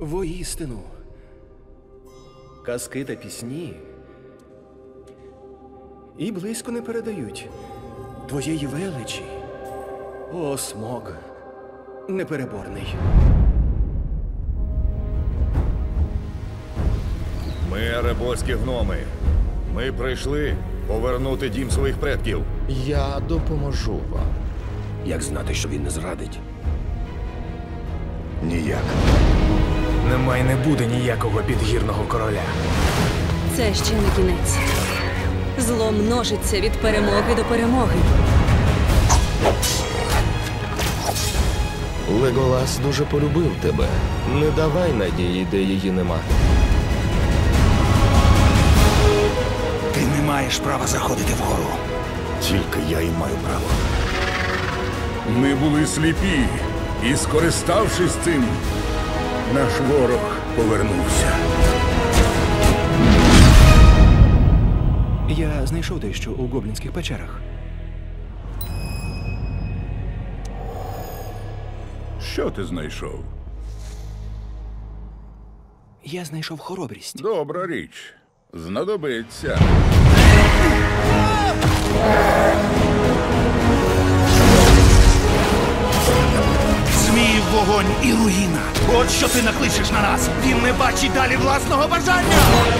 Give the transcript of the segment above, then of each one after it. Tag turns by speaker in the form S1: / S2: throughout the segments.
S1: Воістину, казки та пісні і близько не передають твоєї величі, о Смог непереборний.
S2: Ми еребольські гноми. Ми прийшли повернути дім своїх предків.
S3: Я допоможу вам.
S4: Як знати, що він не зрадить?
S2: Ніяк.
S5: Нема й не буде ніякого підгірного короля.
S6: Це ще не кінець. Зло множиться від перемоги до перемоги.
S3: Леголас дуже полюбив тебе. Не давай надії, де її нема.
S4: Ти не маєш права заходити вгору.
S2: Тільки я і маю право.
S7: Ми були сліпі, і, скориставшись цим, наш ворог повернувся.
S1: Я знайшов дещо у гоблінських печерах.
S7: Що ти знайшов?
S1: Я знайшов хоробрість.
S7: Добра річ. Знадобиться.
S4: Зміїв вогонь і руїна. От що ти накличеш на нас. Він не бачить далі власного бажання.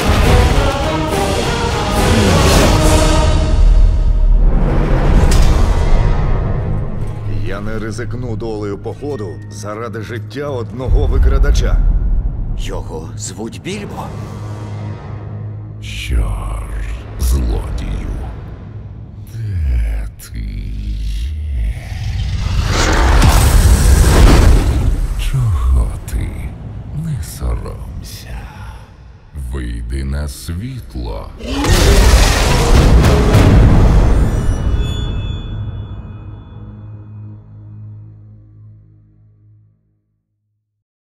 S2: Я не ризикну долею походу заради життя одного викрадача.
S4: Його звуть Більбо.
S7: Чор, злодію. Де ти? Чого ти? Не соромся. Вийди на світло.